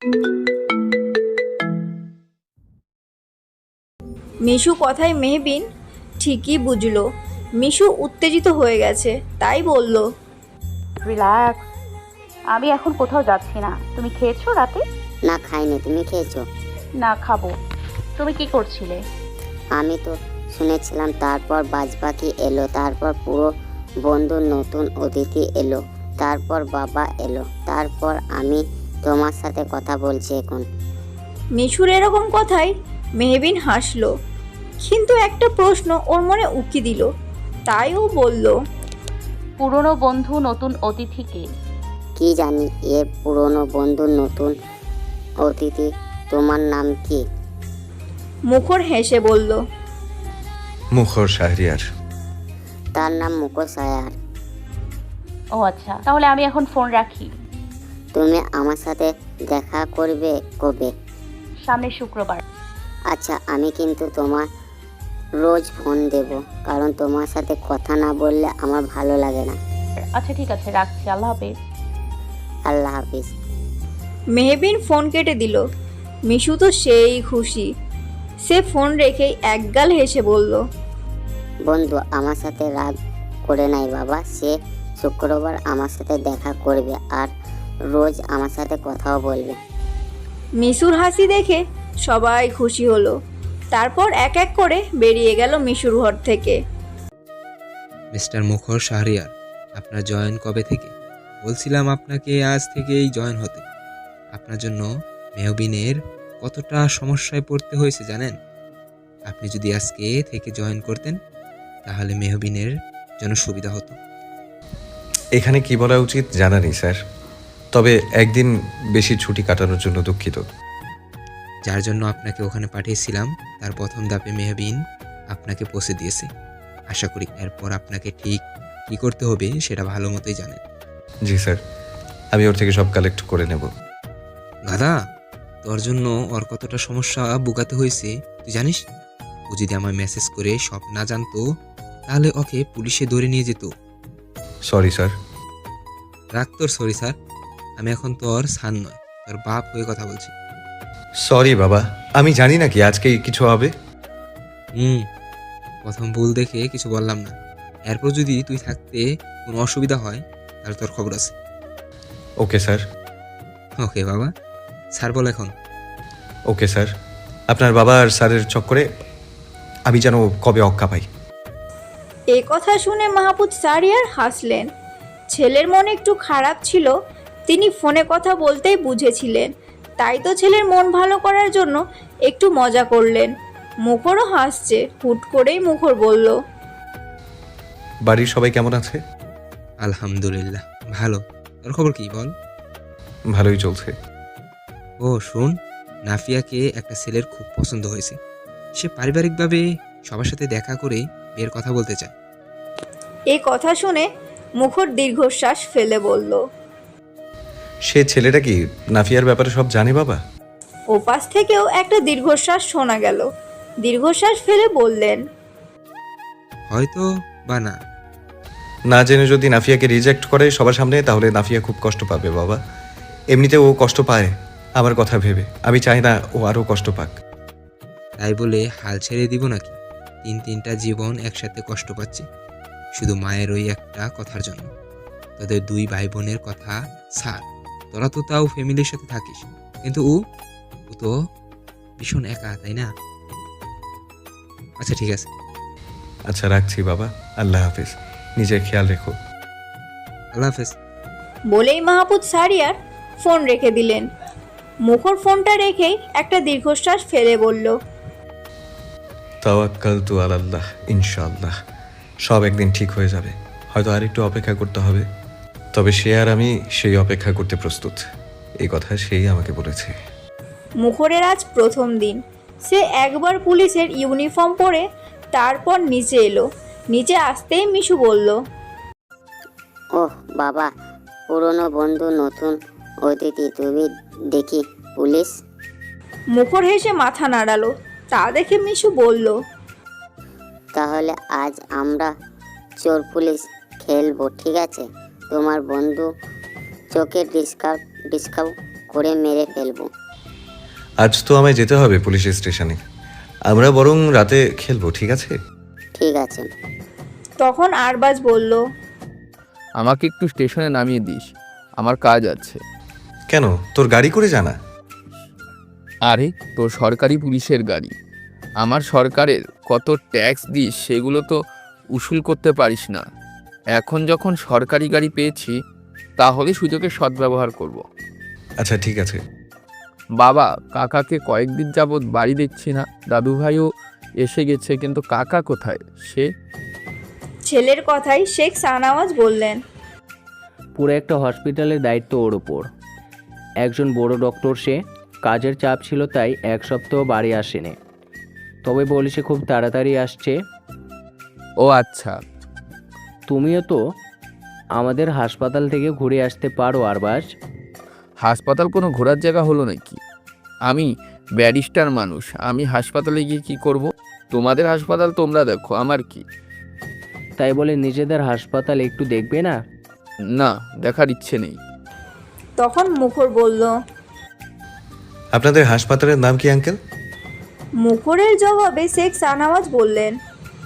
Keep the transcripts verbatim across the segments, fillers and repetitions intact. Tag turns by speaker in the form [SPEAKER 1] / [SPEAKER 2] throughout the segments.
[SPEAKER 1] মিশু কথায় মেহবিন ঠিকই বুঝলো মিশু উত্তেজিত হয়ে গেছে, তাই বলল,
[SPEAKER 2] রিল্যাক্স, আমি এখন কোথাও যাচ্ছি না। তুমি খেয়েছো রাতে?
[SPEAKER 3] না খাইনি, তুমি খেয়েছো?
[SPEAKER 2] না, খাবো। তুমি কি করছিলে?
[SPEAKER 3] আমি তো শুনেছিলাম তারপর বাজপাখি এলো, তারপর পুরো বন্ধু নতুন অতিথি এলো, তারপর বাবা এলো, তারপর আমি তোমার সাথে কথা বলছি এখন।
[SPEAKER 1] মিশুর এরকম কথায় মেহবিন হাসলো, কিন্তু একটা প্রশ্ন ওর মনে উকি দিল, তাই ও বলল,
[SPEAKER 2] পুরনো বন্ধু নতুন অতিথিকে?
[SPEAKER 3] কি জানি এ পুরনো বন্ধু নতুন অতিথি, তোমার নাম কি?
[SPEAKER 1] মুখর হেসে বলল,
[SPEAKER 4] মুখর শাহরিয়ার।
[SPEAKER 3] তার নাম মুখোশায়ার।
[SPEAKER 2] ও আচ্ছা, তাহলে আমি এখন ফোন রাখি।
[SPEAKER 3] তুমি আমার সাথে দেখা করবে কবে?
[SPEAKER 2] সামনের শুক্রবার।
[SPEAKER 3] আচ্ছা, আমি কিন্তু তোমার রোজ ফোন দেব, কারণ তোমার সাথে কথা না বললে আমার ভালো লাগে না।
[SPEAKER 2] আচ্ছা ঠিক আছে, রাখছি। আল্লাহ হাফেজ।
[SPEAKER 3] আল্লাহ হাফিজ।
[SPEAKER 1] মেহবিন ফোন কেটে দিল। মিশু তো সেই খুশি, সে ফোন রেখেই একগাল হেসে বলল,
[SPEAKER 3] বন্ধু আমার সাথে রাগ করে নাই বাবা, সে শুক্রবার আমার সাথে দেখা করবে আর রোজ আমার সাথে কথাও বলবে।
[SPEAKER 1] মিশুর হাসি দেখে সবাই খুশি হলো। তারপর এক এক করে বেরিয়ে গেল মিশুর ঘর থেকে।
[SPEAKER 5] মিস্টার মুখর শাহরিয়ার, আপনার জয়েন কবে থেকে? বলছিলাম আপনাকে আজ থেকেই জয়েন হতে। আপনার জন্য মেহবিনের কতটা সমস্যায় পড়তে হয়েছে জানেন? আপনি যদি আজকে থেকে জয়েন করতেন তাহলে মেহবিনের জন্য সুবিধা হতো।
[SPEAKER 4] এখানে কি বলা উচিত জানা নেই স্যার, তবে একদিন বেশি ছুটি কাটানোর জন্য দুঃখিত।
[SPEAKER 5] যার জন্য আপনাকে ওখানে পাঠিয়েছিলাম তার প্রথম ধাপে মেহবিন আপনাকে পৌঁছে দিয়েছে। আশা করি এরপর আপনাকে ঠিক কী করতে হবে সেটা ভালো মতোই জানেন।
[SPEAKER 4] জি স্যার, আমি ওর থেকে সব কালেক্ট করে নেব।
[SPEAKER 5] গাদা, তোর জন্য ওর কতটা সমস্যা ভোগাতে হয়েছে তুই জানিস? ও যদি আমার মেসেজ করে সব না জানতো তাহলে ওকে পুলিশে ধরে নিয়ে যেত।
[SPEAKER 4] Sorry sir.
[SPEAKER 5] রাখ তোর সরি স্যার, আমি এখন তোর সান নয়, তোর বাপ হয়ে কথা বলছি।
[SPEAKER 4] সরি বাবা, আমি জানি না কি আজকে কিছু হবে।
[SPEAKER 5] হুম, প্রথম ভুল দেখে কিছু বললাম না। এরপর যদি তুই থাকতে কোনো অসুবিধা হয় তাহলে তোর খবর আছে।
[SPEAKER 4] Okay sir.
[SPEAKER 5] ওকে বাবা, স্যার বল এখন।
[SPEAKER 4] Okay sir. আপনার বাবা আর স্যারের চক্করে আমি যেন কবে অক্কা পাই।
[SPEAKER 1] এ কথা শুনে মাহবুব শাহরিয়ার হাসলেন। ছেলের মন একটু খারাপ ছিল, তিনি ফোনে কথা বলতেই বুঝেছিলেন, তাই তো ছেলের মন ভালো করার জন্য একটু মজা করলেন। মুখরও হাসছে, হুট করেই মুখর বলল,
[SPEAKER 4] বাড়ির সবাই কেমন আছে?
[SPEAKER 5] আলহামদুলিল্লাহ ভালো। তোর খবর কি বল?
[SPEAKER 4] ভালোই চলছে।
[SPEAKER 5] ও শুন, নাফিয়াকে একটা ছেলের খুব পছন্দ হয়েছে। সে পারিবারিকভাবে সবার সাথে দেখা করে বিয়ের কথা বলতে চায়।
[SPEAKER 1] এ কথা শুনে মুখর দীর্ঘশ্বাস ফেলে বলল,
[SPEAKER 4] সে ছেলেটা কি নাফিয়ার ব্যাপারে সব জানে বাবা?
[SPEAKER 1] ওপাশ থেকেও একটা দীর্ঘশ্বাস শোনা গেল। দীর্ঘশ্বাস ফেলে বললেন,
[SPEAKER 5] হয়তো বা না।
[SPEAKER 4] না জেনে যদি নাফিয়াকে রিজেক্ট করে সবার সামনে, তাহলে নাফিয়া খুব কষ্ট পাবে বাবা। এমনিতে ও কষ্ট পায় আমার কথা ভেবে, আমি চাই না ও আরও কষ্ট পাক।
[SPEAKER 5] তাই বলে হাল ছেড়ে দিব নাকি? তিন তিনটা জীবন একসাথে কষ্ট পাচ্ছে শুধু মায়ের ওই একটা কথার জন্য। তোদের দুই ভাই বোনের কথা ছাড়, তোরা তো তাও ফ্যামিলির সাথে থাকিস, কিন্তু ও ও তো ভীষণ একা, তাই না? আচ্ছা ঠিক আছে।
[SPEAKER 4] আচ্ছা রাখছি বাবা, আল্লাহ হাফিজ, নিজের খেয়াল রেখো।
[SPEAKER 5] আল্লাহ হাফেজ।
[SPEAKER 1] বলেই মাহবুব শাহরিয়ার ফোন রেখে দিলেন। মুখর ফোনটা রেখেই একটা দীর্ঘশ্বাস ফেলে বলল,
[SPEAKER 4] তাওয়াক্কালতু আলাল্লাহ, ইনশাআল্লাহ সব একদিন ঠিক হয়ে যাবে। হয়তো আর একটু অপেক্ষা করতে হবে, তবে সে আর আমি সেই অপেক্ষা করতে প্রস্তুত, এই কথা সেই আমাকে বলেছে।
[SPEAKER 1] মুখরের আজ প্রথম দিন। সে একবার পুলিশের ইউনিফর্ম পরে তারপর নিচে এলো। নিচে আসতেই মিশু বলল,
[SPEAKER 3] ওহ বাবা, পুরনো বন্ধু নতুন অতিথি, তুমি দেখি পুলিশ।
[SPEAKER 1] মুখর হেসে মাথা নাড়ালো। তা দেখে মিশু বলল,
[SPEAKER 3] তাহলে আজ আমরা চোর পুলিশ খেলবো, ঠিক আছে? তোমার বন্ধু চোখে ডিসকাউন্ট ডিসকাউন্ট করে মেরে ফেলবো।
[SPEAKER 4] আজ তো আমায় যেতে হবে পুলিশ স্টেশনে, আমরা বরং রাতে খেলবো, ঠিক আছে?
[SPEAKER 3] ঠিক আছে।
[SPEAKER 1] তখন আরবাজ বলল,
[SPEAKER 6] আমাকে একটু স্টেশনে নামিয়ে দিস, আমার কাজ আছে।
[SPEAKER 4] কেন, তোর গাড়ি করে জানা?
[SPEAKER 6] আরে তোর সরকারি পুলিশের গাড়ি, আমার সরকারের কত ট্যাক্স দিস সেগুলো তো উসুল করতে পারিস না। এখন যখন সরকারি গাড়ি পেয়েছি তাহলে সুযোগের সদ্ব্যবহার করব।
[SPEAKER 4] আচ্ছা ঠিক আছে।
[SPEAKER 6] বাবা, কাকাকে কয়েকদিন যাবৎ বাড়ি দেখছি না, দাদু ভাইও এসে গেছে, কিন্তু কাকা কোথায়? সে
[SPEAKER 1] ছেলের কথাই শেখ শাহনওয়াজ বললেন,
[SPEAKER 7] পুরো একটা হসপিটালের দায়িত্ব ওর ওপর। একজন বড় ডক্টর সে, কাজের চাপ ছিল তাই এক সপ্তাহ বাড়ি আসেনি, তবে বলেছে খুব তাড়াতাড়ি আসছে।
[SPEAKER 6] ও আচ্ছা,
[SPEAKER 7] তুমিও তো আমাদের হাসপাতাল থেকে ঘুরে আসতে পারো আরবাজ।
[SPEAKER 6] হাসপাতাল কোনো ঘোরার জায়গা হলো নাকি? আমি ব্যারিস্টার মানুষ, আমি হাসপাতালে গিয়ে কি করব? তোমাদের হাসপাতাল তোমরা দেখো, আমার কি?
[SPEAKER 7] তাই বলে নিজেদের হাসপাতাল একটু দেখবে না?
[SPEAKER 6] না, দেখার ইচ্ছে নেই।
[SPEAKER 1] তখন মুখর বলল,
[SPEAKER 4] আপনাদের হাসপাতালের নাম কি আঙ্কেল?
[SPEAKER 1] মুখরের জবাবে শেখ শাহনওয়াজ বললেন,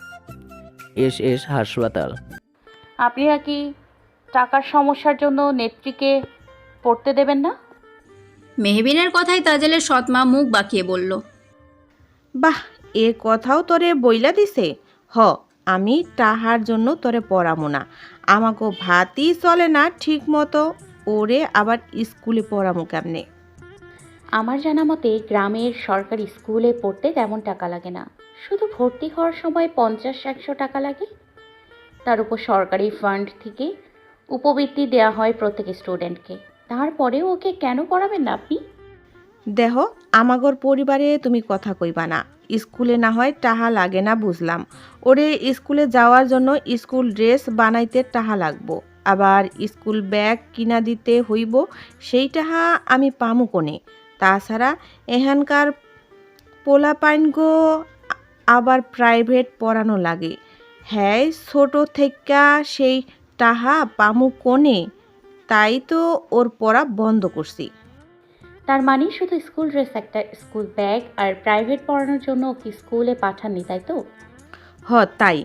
[SPEAKER 7] এস এস হাসপাতাল।
[SPEAKER 2] আপনারা কি টাকার সমস্যার জন্য নেত্রীকে পড়তে দেবেন না?
[SPEAKER 8] মেহবিনের কথায় তাজেলের সৎমা মুখ বাঁকিয়ে বলল,
[SPEAKER 9] বাহ, এ কথাও তোরে বইলা দিছে। হ, আমি তাহার জন্য তোরে পড়ামো না, আমাকে ভাতই চলে না ঠিক মতো, ওরে আবার স্কুলে পড়ামো কেমনে?
[SPEAKER 2] আমার জানা মতে গ্রামের সরকারি স্কুলে পড়তে তেমন টাকা লাগে না, শুধু ভর্তি হওয়ার সময় পঞ্চাশ একশো টাকা লাগে। তার উপর সরকারি ফান্ড থেকে উপবৃত্তি দেওয়া হয় প্রত্যেক স্টুডেন্টকে। তারপরেও ওকে কেন পড়াবেন না আপনি?
[SPEAKER 9] দেহ, আমাগর পরিবারে তুমি কথা কইবা না। স্কুলে না হয় টাহা লাগে না বুঝলাম, ওরে স্কুলে যাওয়ার জন্য স্কুল ড্রেস বানাইতে টাহা লাগবো, আবার স্কুল ব্যাগ কিনা দিতে হইব, সেই টাহা আমি পামু কোনে? তাছাড়া এখানকার পোলাপাইনগো আবার প্রাইভেট পড়ানো লাগে, হ্যাঁ ছোট থেকা সেই টাহা পামু কোনে? তাই তো ওর পড়া বন্ধ করছি।
[SPEAKER 2] তার মানে শুধু স্কুল ড্রেস, একটা স্কুল ব্যাগ আর প্রাইভেট পড়ানোর জন্য ওকে স্কুলে পাঠাননি, তাই তো?
[SPEAKER 9] হ তাই।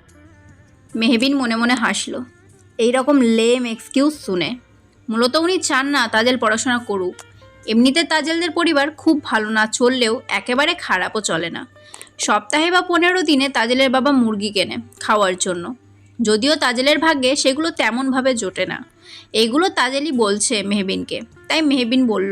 [SPEAKER 8] মেহবিন মনে মনে হাসল এই রকম লেম এক্সকিউজ শুনে। মূলত উনি চান না তাজেল পড়াশোনা করুক। এমনিতে তাজেলদের পরিবার খুব ভালো না চললেও একেবারে খারাপও চলে না। সপ্তাহে বা পনেরো দিনে তাজেলের বাবা মুরগি কেনে খাওয়ার জন্য, যদিও তাজেলের ভাগ্যে সেগুলো তেমনভাবে জোটে না। এইগুলো তাজেলই বলছে মেহবিনকে, তাই মেহবিন বলল,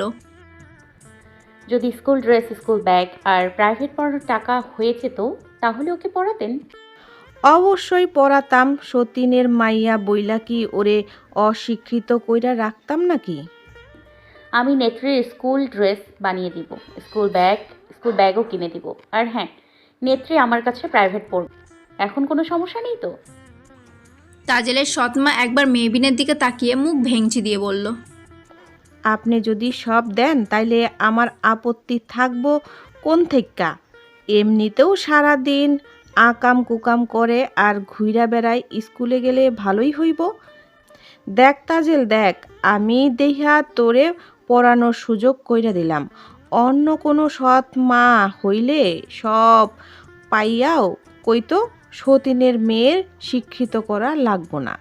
[SPEAKER 2] যদি স্কুল ড্রেস, স্কুল ব্যাগ আর প্রাইভেট পড়ানোর টাকা হয়েছে তো তাহলে ওকে পড়াতেন।
[SPEAKER 9] অবশ্যই পড়াতাম, সতীনের মাইয়া বইলা কি ওরে অশিক্ষিত কইরা রাখতাম নাকি?
[SPEAKER 2] আমি নেত্রীর স্কুল ড্রেস বানিয়ে দিব, স্কুল ব্যাগ, স্কুল ব্যাগও কিনে দিব। আর হ্যাঁ, নেত্রী আমার কাছে প্রাইভেট পড়বে, এখন কোনো সমস্যা নেই তো?
[SPEAKER 8] তাজেলের সৎমা একবার মেহবিনের দিকে তাকিয়ে মুখ ভেঙচি দিয়ে বলল,
[SPEAKER 9] আপনি যদি সব দেন তাইলে আমার আপত্তি থাকবো কোন থেক্কা? এমনিতেও সারা দিন আকাম কুকাম করে আর ঘুইরা বেড়ায়, স্কুলে গেলে ভালোই হইব। দেখ তাজেল দেখ, আমি দেহা তোরে পড়ানোর সুযোগ কইরা দিলাম, অন্য কোনো সৎ মা হইলে সব পাইয়াও কইতো সতীনের মেয়ের শিক্ষিত করা লাগবো না।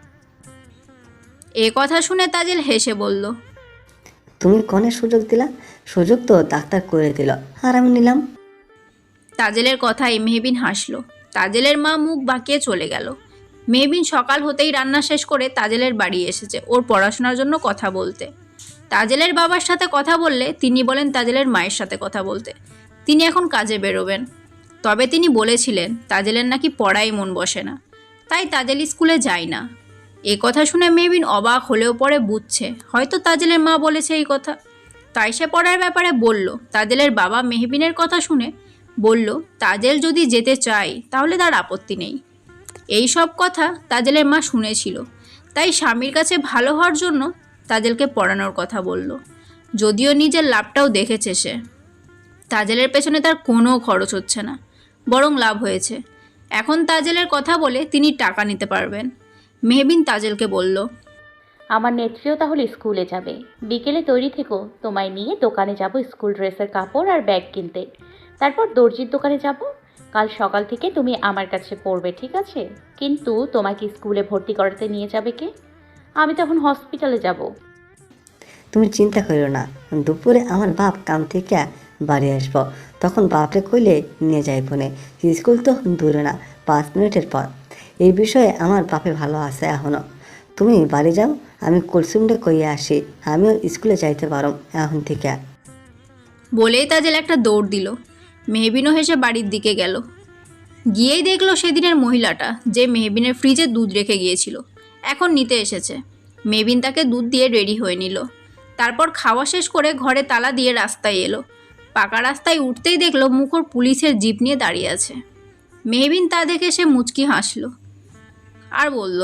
[SPEAKER 8] এ কথা শুনে তাজেল হেসে বলল,
[SPEAKER 10] তুমি কনে সুযোগ দিলা? সুযোগ তো ডাক্তার করে দিল আর আমি নিলাম।
[SPEAKER 8] তাজেলের কথায় মেহবিন হাসল। তাজেলের মা মুখ বাঁকিয়ে চলে গেল। মেহবিন সকাল হতেই রান্না শেষ করে তাজেলের বাড়ি এসেছে ওর পড়াশোনার জন্য কথা বলতে। তাজেলের বাবার সাথে কথা বললে তিনি বলেন তাজেলের মায়ের সাথে কথা বলতে। তিনি এখন কাজে বেরোবেন। তবে তিনি বলেছিলেন তাজেলের নাকি পড়াই মন বসে না, তাই তাজেল স্কুলে যায় না। এ কথা শুনে মেহবিন অবাক হলেও পরে বুঝছে হয়তো তাজেলের মা বলেছে এই কথা, তাই সে পড়ার ব্যাপারে বলল। তাজেলের বাবা মেহবিনের কথা শুনে বলল তাজেল যদি যেতে চায় তাহলে তার আপত্তি নেই। এই সব কথা তাজেলের মা শুনেছিল, তাই স্বামীর কাছে ভালো হওয়ার জন্য তাজেলকে পড়ানোর কথা বলল। যদিও নিজের লাভটাও দেখেছে সে, তাজেলের পেছনে তার কোনো খরচ হচ্ছে না, বরং লাভ হয়েছে। এখন তাজেলের কথা বলে তিনি টাকা নিতে পারবেন। মেহবিন তাজেলকে বলল,
[SPEAKER 2] আমার নেত্রীও তাহলে স্কুলে যাবে। বিকেলে তৈরি থেকো, তোমায় নিয়ে দোকানে যাব স্কুল ড্রেসের কাপড় আর ব্যাগ কিনতে। তারপর দর্জির দোকানে যাব। কাল সকাল থেকে তুমি আমার কাছে পড়বে, ঠিক আছে? কিন্তু তোমাকে স্কুলে ভর্তি করাতে নিয়ে যাবে কে? আমি তখন হসপিটালে যাব।
[SPEAKER 10] তুমি চিন্তা করো না, দুপুরে আমার বাপ কাম থেকে বাড়ি আসবো, তখন বাপরে কইলে নিয়ে যাই ফোনে। স্কুল তো দূরে না, পাঁচ মিনিটের পর। এই বিষয়ে আমার বাপে ভালো আছে এখনও। তুমি বাড়ি যাও, আমি কুলসুমটা কইয়ে আসি, আমিও স্কুলে যাইতে পারো এখন থেকে।
[SPEAKER 8] বলেই তাজেল একটা দৌড় দিল। মেহবিনও হেসে বাড়ির দিকে গেল। গিয়েই দেখলো সেদিনের মহিলাটা যে মেহবিনের ফ্রিজে দুধ রেখে গিয়েছিল এখন নিতে এসেছে। মেহবিন তাকে দুধ দিয়ে রেডি হয়ে নিল। তারপর খাওয়া শেষ করে ঘরে তালা দিয়ে রাস্তায় এলো। পাকা রাস্তায় উঠতেই দেখলো মুখর পুলিশের জিপ নিয়ে দাঁড়িয়ে আছে। মেহবিন তা দেখে সে মুচকি হাসলো আর বলল,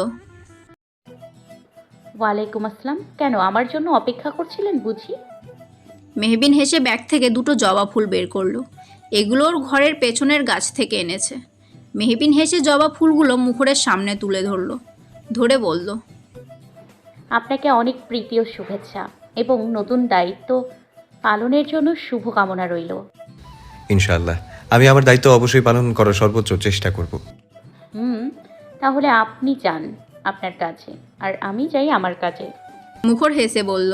[SPEAKER 2] ওয়ালাইকুম আসসালাম। কেন, আমার জন্য অপেক্ষা করছিলেন বুঝি?
[SPEAKER 8] মেহবিন হেসে ব্যাগ থেকে দুটো জবা ফুল বের করলো। এগুলোর ঘরের পেছনের গাছ থেকে এনেছে। মেহবিন হেসে জবা ফুলগুলো মুখরের সামনে তুলে ধরলো, ধরে বলল,
[SPEAKER 2] আপনাকে অনেক প্রীতি ও শুভেচ্ছা এবং নতুন দায়িত্ব পালনের জন্য শুভকামনা রইল।
[SPEAKER 4] ইনশাআল্লাহ আমি আমার দায়িত্ব অবশ্যই পালন করার সর্বোচ্চ চেষ্টা করব।
[SPEAKER 2] হুম, তাহলে আপনি যান আপনার কাছে আর আমি যাই আমার কাজে।
[SPEAKER 8] মুখর হেসে বলল।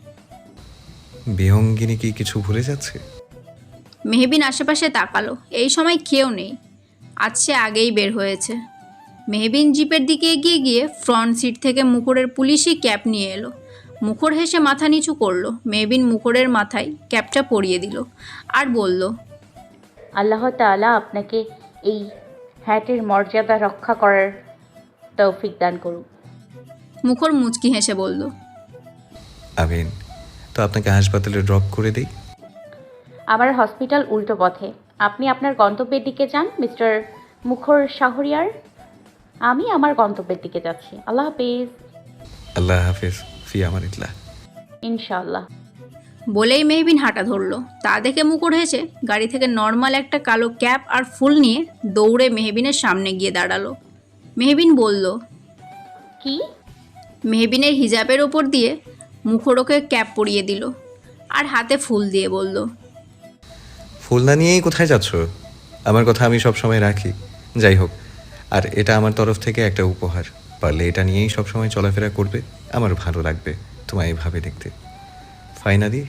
[SPEAKER 4] বিহঙ্গিনী কি কিছু ভুলে যাচ্ছে?
[SPEAKER 8] মেহবিন আশেপাশে তাকালো। এই সময় কেউ নেই, আজ সে আগেই বের হয়েছে। মেহবিন জিপের দিকে এগিয়ে গিয়ে ফ্রন্ট সিট থেকে মুখরের পুলিশি ক্যাপ নিয়ে এলো। মুখর হেসে মাথা নিচু করলো। মেহবিন মুখরের মাথায় ক্যাপটা পরিয়ে দিল আর বলল,
[SPEAKER 2] আল্লাহ তাআলা আপনাকে এই হ্যাটের মর্যাদা রক্ষা করার তৌফিক দান করুন।
[SPEAKER 8] মুখর মুচকি হেসে বলল,
[SPEAKER 4] আমিন। তো আপনাকে হাসপাতালে ড্রপ করে দিই?
[SPEAKER 2] আমার হসপিটাল উল্টো পথে, আপনি আপনার গন্তব্যের দিকে যান মিস্টার মুখর শাহরিয়ার। আমি আমার গন্তব্যের দিকে যাচ্ছি। আল্লাহ হাফিজ।
[SPEAKER 4] আল্লাহ হাফিজ, ফি আমানিল্লাহ।
[SPEAKER 2] ইনশাআল্লাহ।
[SPEAKER 8] বলেই মেহবিন হাঁটা ধরলো। তা দেখে মুখর হেসে গাড়ি থেকে নর্মাল একটা কালো ক্যাপ আর ফুল নিয়ে দৌড়ে মেহবিনের সামনে গিয়ে দাঁড়ালো। মেহবিন বলল,
[SPEAKER 2] কি?
[SPEAKER 8] মেহবিনের হিজাবের ওপর দিয়ে মুখর ওকে ক্যাপ পরিয়ে দিল আর হাতে ফুল দিয়ে বলল,
[SPEAKER 4] ফুল না নিয়েই কোথায় যাচ্ছ? আমার কথা আমি সব সময় রাখি। যাই হোক, আর এটা আমার তরফ থেকে একটা উপহার। পারলে এটা নিয়েই সব সময় চলাফেরা করবে, আমার ভালো লাগবে তোমায় এইভাবে দেখতে। ফাইনালি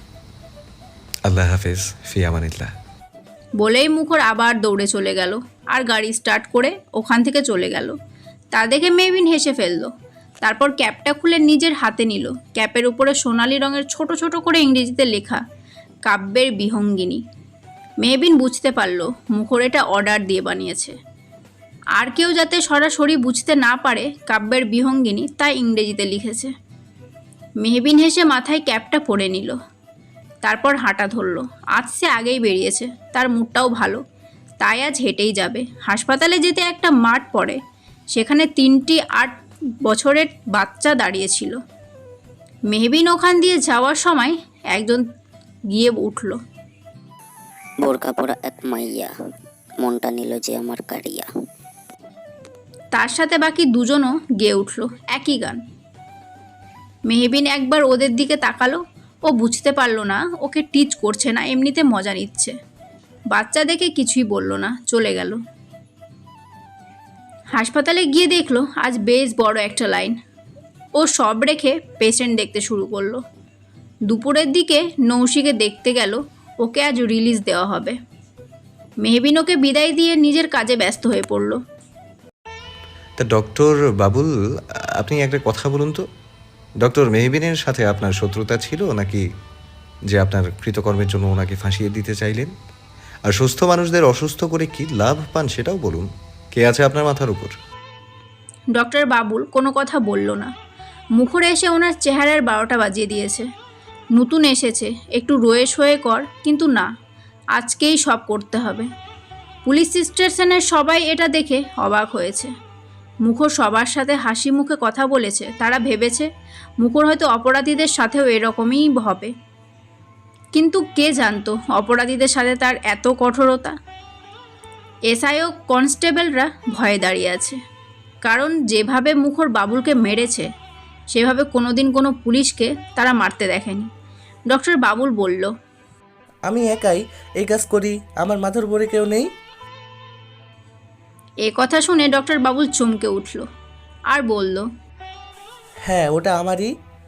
[SPEAKER 4] আল্লাহ হাফেজ, ফি আমানিল্লাহ।
[SPEAKER 8] বলেই মুখর আবার দৌড়ে চলে গেল আর গাড়ি স্টার্ট করে ওখান থেকে চলে গেল। তা দেখে মেহবিন হেসে ফেলল। তারপর ক্যাপটা খুলে নিজের হাতে নিল। ক্যাপের উপরে সোনালি রঙের ছোট ছোট করে ইংরেজিতে লেখা কাব্যের বিহঙ্গিনী। মেহবিন বুঝতে পারল মুখর এটা অর্ডার দিয়ে বানিয়েছে। আর কেউ যাতে সরাসরি বুঝতে না পারে কাব্যের বিহঙ্গিনী, তাই ইংরেজিতে লিখেছে। মেহবিন হেসে মাথায় ক্যাপটা পরে নিল। তারপর হাঁটা ধরল। আজ সে আগেই বেরিয়েছে, তার মুডটাও ভালো, তাই আজ হেঁটেই যাবে। হাসপাতালে যেতে একটা মাঠ পড়ে, সেখানে তিনটি আট বছরের বাচ্চা দাঁড়িয়েছিল। মেহবিন ওখান দিয়ে যাওয়ার সময় একজন গিয়ে উঠল।
[SPEAKER 3] বোরকা পরা এক মাইয়া, মনটা নিল যে আমার কারিয়া।
[SPEAKER 8] তার সাথে বাকি দুজনও গেয়ে উঠল একই গান। মেহবিন একবার ওদের দিকে তাকালো। ও বুঝতে পারল না ওকে টিচ করছে না এমনিতে মজা নিচ্ছে। বাচ্চা দেখে কিছুই বলল না, চলে গেল। হাসপাতালে গিয়ে দেখলো আজ বেশ বড় একটা লাইন। ও সব রেখে পেশেন্ট দেখতে শুরু করলো। দুপুরের দিকে নৌশিকে দেখতে গেল, ওকে আজ রিলিজ দেওয়া হবে। মেহবিন ওকে বিদায় দিয়ে নিজের কাজে ব্যস্ত হয়ে পড়ল।
[SPEAKER 4] তা ডক্টর বাবুল, আপনি একটা কথা বলুন তো, ডক্টর মেহবিনের সাথে আপনার শত্রুতা ছিল নাকি যে আপনার কৃতকর্মের জন্য ওনাকে ফাঁসিয়ে দিতে চাইলেন? আর সুস্থ মানুষদের অসুস্থ করে কি লাভ পান সেটাও বলুন। কে আছে আপনার মাথার উপর?
[SPEAKER 8] ডক্টর বাবুল কোনো কথা বলল না। মুখরে এসে ওনার চেহারার বারোটা বাজিয়ে দিয়েছে। নতুন এসেছে, একটু রয়ে সয়ে কর, কিন্তু না, আজকেই সব করতে হবে। পুলিশ স্টেশনের সবাই এটা দেখে অবাক হয়েছে। মুখর সবার সাথে হাসি মুখে কথা বলেছে। তারা ভেবেছে মুখর হয়তো অপরাধীদের সাথেও এরকমই হবে, কিন্তু কে জানতো অপরাধীদের সাথে তার এত কঠোরতা। এসআই ও কনস্টেবলরা ভয়ে দাঁড়িয়ে আছে, কারণ যেভাবে মুখর বাবুলকে মেরেছে সেভাবে কোনোদিন কোনো পুলিশকে তারা মারতে দেখেনি। ডক্টর বাবুল বলল,
[SPEAKER 11] আমি একাই এই কাজ করি, আমার মাথার উপরে কেউ নেই।
[SPEAKER 8] এ কথা শুনে ডক্টর বাবুল চমকে উঠল আর বলল,
[SPEAKER 11] হ্যাঁ, ওটা আমারই।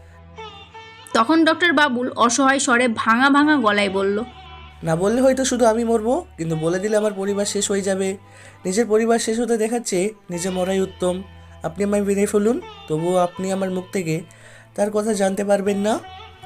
[SPEAKER 8] তখন ডক্টর বাবুল অসহায় স্বরে ভাঙা ভাঙা গলায় বলল,
[SPEAKER 11] না বললে হয়তো শুধু আমি মরবো, কিন্তু বলে দিলে আমার পরিবার শেষ হয়ে যাবে। নিজের পরিবার শেষ হতে দেখাচ্ছে নিজে মরাই উত্তম। আপনি আমায় মেরে ফেলুন, তবুও আপনি আমার মুখ থেকে তার কথা জানতে পারবেন না।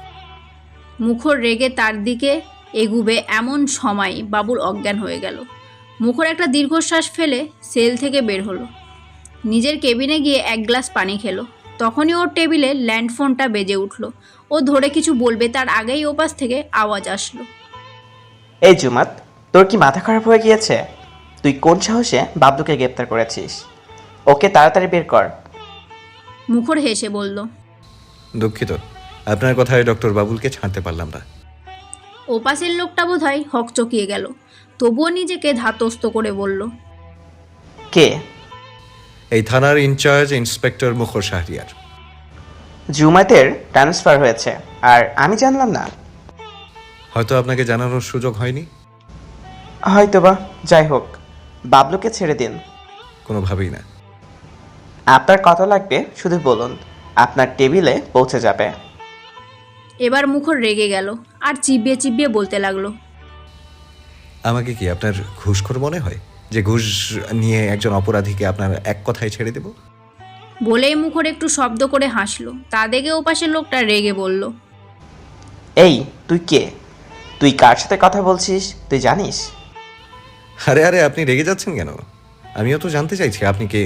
[SPEAKER 8] মুখর রেগে তার দিকে এগুবে এমন সময় বাবুল অজ্ঞান হয়ে গেল। মুখর একটা দীর্ঘশ্বাস ফেলে সেল থেকে বের হলো, নিজের কেবিনে গিয়ে এক গ্লাস পানি খেলো। তখনই ওর টেবিলে ল্যান্ডফোনটা বেজে উঠল। ও ধরে কিছু বলবে তার আগেই ওপাশ থেকে আওয়াজ আসলো,
[SPEAKER 12] এই জুমাত, তোর কি মাথা খারাপ হয়ে গিয়েছে? তুই কোন সাহসে বাবলুকে গ্রেপ্তার করেছিস? ওকে তাড়াতাড়ি বের কর।
[SPEAKER 8] মুখর হেসে বলল,
[SPEAKER 4] দুঃখিত, আপনার কথায় ডক্টর বাবুলকে ছাড়তে পারলাম না।
[SPEAKER 8] ওপাশের লোকটা বোধহয় হকচকিয়ে গেল, তবুও নিজেকে ধাতস্থ করে বলল,
[SPEAKER 12] কে?
[SPEAKER 4] এই থানার ইনচার্জ ইন্সপেক্টর মুখর শাহরিয়ার।
[SPEAKER 12] জুমাতের ট্রান্সফার হয়েছে আর আমি জানলাম না?
[SPEAKER 4] হয়তো আপনাকে জানানোর সুযোগ হয়নি।
[SPEAKER 12] হয়তোবা। যাই হোক, বাবলুকে ছেড়ে দিন।
[SPEAKER 4] কোনোভাবেই না।
[SPEAKER 12] আপনার কত লাগবে শুধু বলুন, আপনার টেবিলে পৌঁছে যাবে।
[SPEAKER 8] এবার মুখর রেগে গেল আর চিবিয়ে চিবিয়ে বলতে লাগলো,
[SPEAKER 4] আমাকে কি আপনার ঘুষখোর মনে হয় যে ঘুষ নিয়ে একজন অপরাধীকে আপনার এক কথায় ছেড়ে দেব?
[SPEAKER 8] বলেই মুখর একটু শব্দ করে হাসলো। তা দেখে ওপাশের লোকটা রেগে বলল,
[SPEAKER 12] এই তুই কে? তুই কার সাথে কথা বলছিস তুই জানিস?
[SPEAKER 4] আরে আরে আপনি রেগে যাচ্ছেন কেন? আমিও তো জানতে চাইছি আপনি কে।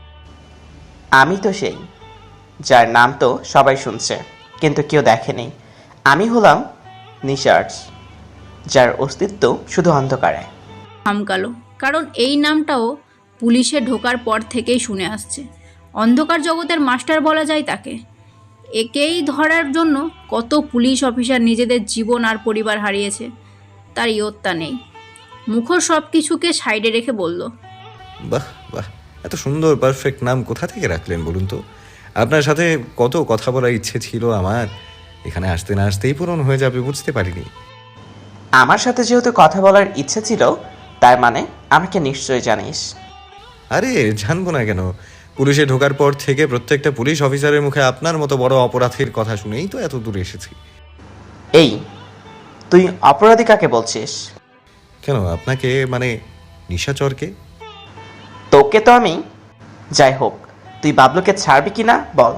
[SPEAKER 12] আমি তো সেই যার নাম তো সবাই শুনছে কিন্তু কেউ দেখেনি। আমি হলাম নিশার্জ, যার অস্তিত্ব শুধু অন্ধকারে।
[SPEAKER 8] থামকালো, কারণ এই নামটাও পুলিশে ঢোকার পর থেকেই শুনে আসছে। অন্ধকার জগতের মাস্টার বলা যায় তাকে। একেই ধরার জন্য কত পুলিশ অফিসার নিজেদের জীবন আর পরিবার হারিয়েছে, তার ইয়ত্তা নেই। মুখর সব কিছুকে সাইডে রেখে বলল,
[SPEAKER 4] বাহ বাহ, এত সুন্দর পারফেক্ট নাম কোথা থেকে রাখলেন বলুন তো? আপনার সাথে কত কথা বলার ইচ্ছে ছিল আমার, এখানে আসতে না আসতেই পূরণ হয়ে যাবে বুঝতে পারিনি।
[SPEAKER 12] আমার সাথে যেহেতু কথা বলার ইচ্ছে ছিল তার মানে আমাকে নিশ্চয় জানিস।
[SPEAKER 4] আরে জানবো না কেন? পুলিশে ঢোকার পর থেকে প্রত্যেকটা পুলিশ অফিসারের মুখে আপনার মতো বড় অপরাধীর কথা শুনেই তো এত দূরে এসেছি।
[SPEAKER 12] এই তুই অপরাধী কাকে বলছিস?
[SPEAKER 4] কেন আপনাকে, মানে নিশাচরকে?
[SPEAKER 12] তোকে তো আমি। যাই হোক, তুই বাবলুকে ছাড়বি কিনা বল।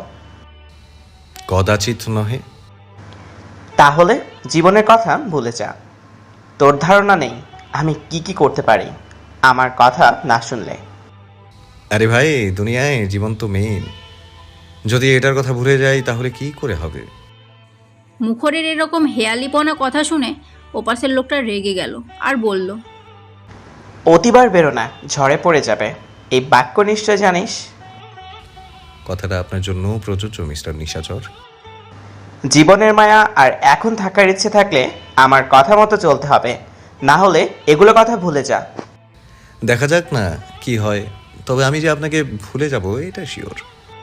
[SPEAKER 4] কদাচিৎ নহে।
[SPEAKER 12] তাহলে জীবনের কথা ভুলে যা। তোর ধারণা নেই আমি কি কি করতে পারি আমার কথা না শুনলে।
[SPEAKER 4] আরে ভাই, দুনিয়ায় জীবন তো মেইন। যদি এটার কথা ভুলে যাই তাহলে কি করে হবে?
[SPEAKER 8] মুখরের এরকম হেয়ালিপনা কথা শুনে ওপাশের লোকটা রেগে গেল আর বলল,
[SPEAKER 12] অতিবার বেরো না, ঝড়ে পড়ে যাবে। এই বাক্য নিশ্চয় জানিস।
[SPEAKER 4] কথাটা আপনার জন্য প্রযোজ্য মিস্টার নিশাচর।
[SPEAKER 12] জীবনের মায়া আর এখন থাকার ইচ্ছে থাকলে আমার কথা মতো চলতে হবে, না হলে এগুলো কথা ভুলে যা।
[SPEAKER 4] দেখা যাক না কি হয়, তবে আমি যে আপনাকে ভুলে যাব এটা শিওর।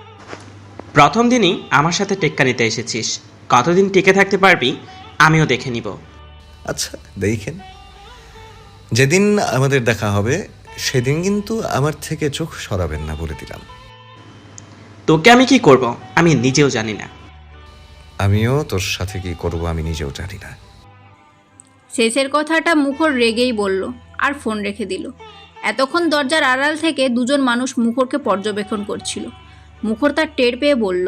[SPEAKER 12] প্রথম দিনই আমার সাথে টেক্কা নিতে এসেছিস, কতদিন টিকে থাকতে পারবি আমিও দেখে নিব।
[SPEAKER 4] আচ্ছা দেখেন, যেদিন আমাদের দেখা হবে সেদিন কিন্তু আমার থেকে চোখ সরাবেন না বলে দিলাম।
[SPEAKER 12] তোকে আমি কি করব আমি নিজেও জানি না।
[SPEAKER 4] আমিও তোর সাথে কি করবো আমি নিজেও জানি না।
[SPEAKER 8] শেষের কথাটা মুখর রেগেই বলল আর ফোন রেখে দিল। এতক্ষণ দরজার আড়াল থেকে দুজন মানুষ মুখরকে পর্যবেক্ষণ করছিল। মুখর তার টের পেয়ে বলল,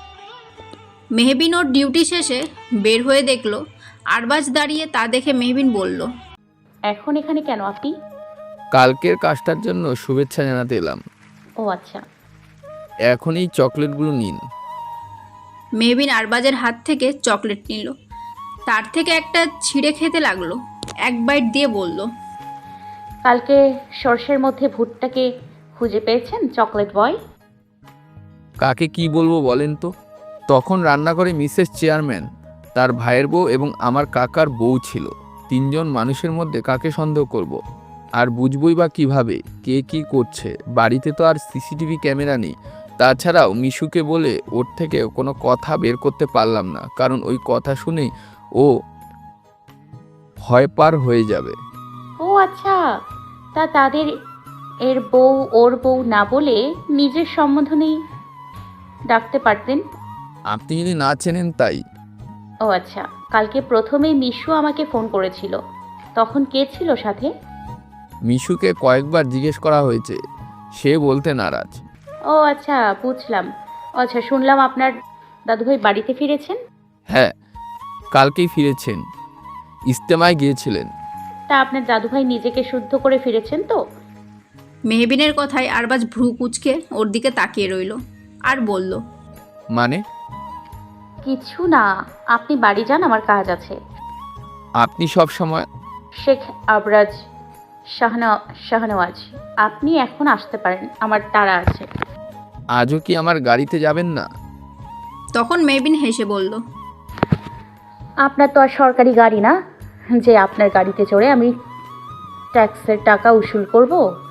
[SPEAKER 8] মেহবিন ওর ডিউটি শেষে বের হয়ে দেখলো আরবাজ দাঁড়িয়ে। তা দেখে মেহবিন বলল,
[SPEAKER 2] এখন এখানে কেন আপনি?
[SPEAKER 6] কালকের কাজটার জন্য শুভেচ্ছা জানাতে এলাম।
[SPEAKER 2] ও আচ্ছা।
[SPEAKER 6] এখন এই চকলেটগুলো নিন।
[SPEAKER 8] মেহবিন আরবাজের হাত থেকে চকলেট নিল, তার থেকে একটা ছিঁড়ে খেতে লাগলো। এক বাইট দিয়ে বলল,
[SPEAKER 2] কালকে সর্ষের মধ্যে ভুট্টাকে খুঁজে পেয়েছেন চকলেট বয়?
[SPEAKER 6] কাকে কি বলবো বলেন তো? তখন রান্নাঘরে মিসেস চেয়ারম্যান, তার ভাইয়ের বউ এবং আমার কাকার বউ ছিল। তিনজন মানুষের মধ্যে কাকে সন্দেহ করব? আর বুঝবই বা কিভাবে কে কি করছে? বাড়িতে তো আর সিসিটিভি ক্যামেরা নেই, তাছাড়াও মিশুকে বলে ওর থেকে কোনো কথা বের করতে পারলাম না, কারণ ওই কথা শুনে ও ভয় পার হয়ে যাবে।
[SPEAKER 2] ও আচ্ছা, তা তাদের এর বউ ওর বউ না বলে নিজের সম্বোধনেই ডাকতে পারতেন।
[SPEAKER 6] আপনি যদি না চেনেন তাই।
[SPEAKER 2] ও আচ্ছা, কালকে প্রথমেই মিশু আমাকে ফোন করেছিল, তখন কে ছিল সাথে?
[SPEAKER 6] মিশুকে কয়েকবার জিজ্ঞেস করা হয়েছে, সে বলতে নারাজ।
[SPEAKER 2] ও আচ্ছা, বুঝলাম। আচ্ছা, শুনলাম আপনার দাদুভাই বাড়িতে ফিরেছেন।
[SPEAKER 6] হ্যাঁ, কালকেই ফিরেছেন, ইজতেমায় গিয়েছিলেন।
[SPEAKER 2] তা আপনার দাদুভাই নিজেকে শুদ্ধ করে ফিরেছেন তো?
[SPEAKER 8] মেহবিনের কথায় আরবাজ ভ্রু কুচকে ওর দিকে তাকিয়ে রইল আর বলল,
[SPEAKER 6] মানে?
[SPEAKER 2] কিছু না, আপনি বাড়ি যান, আমার কাজ আছে।
[SPEAKER 6] আপনি সব সময়।
[SPEAKER 2] শেখ আবরাজ শাহনা শাহনওয়াজ, আপনি এখন আসতে পারেন, আমার তাড়া আছে।
[SPEAKER 6] আজও কি আমার গাড়িতে যাবেন না?
[SPEAKER 8] তখন মেহবিন হেসে বলল,
[SPEAKER 2] আপনার তো আর সরকারি গাড়ি না যে আপনার গাড়িতে চড়ে আমি ট্যাক্সের টাকা উসুল করব।